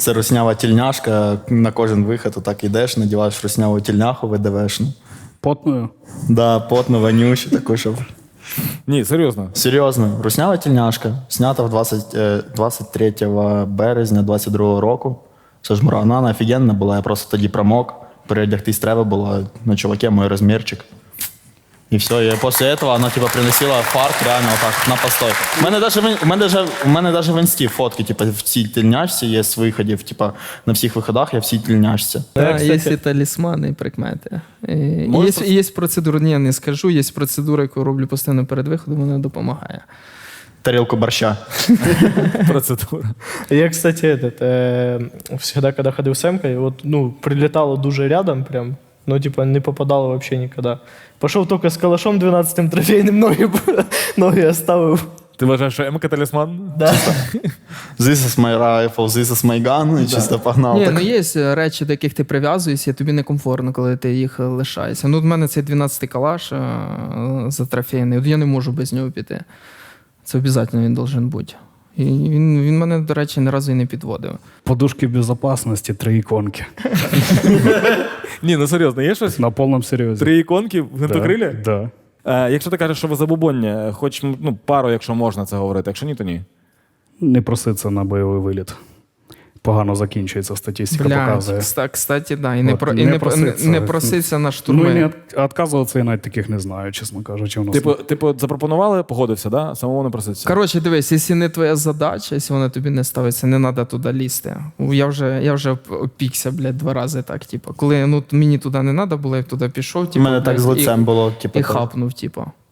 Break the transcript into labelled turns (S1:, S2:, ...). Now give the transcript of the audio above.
S1: Це руснява тільняшка, на кожен вихід отак йдеш, надіваєш русняву тільняху, ВДВшну.
S2: Потною?
S1: Да, потну, вонючу, таку, щоб...
S3: Ні, серйозно.
S1: Серйозно, руснява тільняшка, знята 23 березня 22 року. Це ж вона офігенна була, я просто тоді промок, переодягтись треба було, на чуваке мой розмірчик. І все, і після этого вона типа приносила фарт реально так на постой. У мене даже в інсті фотки, типа в цій тільняшці є з виходів, типа на всіх виходах я в цій тільняшці.
S4: Да, є і талісмани, і прикмети. Є процедура, ні, я не скажу, є процедура, яку роблю постійно перед виходом, вона допомагає.
S1: Тарілку борща.
S3: Процедура.
S5: Я, кстати, всегда, когда ходил с Эмкой, вот, прилетало дуже рядом прям, не попадало вообще никогда. Пошел только с калашом 12-м трофейным, ноги оставил.
S3: Ти вважаєш, що МК талісман?
S5: Да.
S1: This is my rifle, this is my gun, і чисто погнав.
S4: Ні,
S1: Так.
S4: є речі, до яких ти прив'язуєшся, і тобі некомфортно, коли ти їх лишаєшся. В мене цей 12-й калаш за трофейний, я не можу без нього піти. Це обов'язково він должен бути. І він мене, до речі, ні разу і не підводив.
S2: Подушки безопасности, 3 иконки.
S3: Ні, серйозно, є щось?
S2: На полном серьезе.
S3: 3 іконки в гвинтокрилі?
S2: Да.
S3: Якщо ти кажеш, що ви забубоння, хоч пару, якщо можна це говорити, якщо ні, то ні.
S2: Не проситься на бойовий виліт. Погано закінчується, статистика показує.
S4: Кстати, да. І
S2: От,
S4: не проситься на штурми.
S2: Ну, і не відказуватися, я навіть таких не знаю, чесно кажучи. У нас
S3: Типу, запропонували, погодився, да? Самому не проситься.
S4: Коротше, дивись, якщо не твоя задача, якщо вона тобі не ставиться, не треба туди лізти. Я вже опікся, 2 рази так, типу. Коли мені туди не треба було, я туди пішов,
S1: У мене так з лицем було.
S4: і хапнув, типу.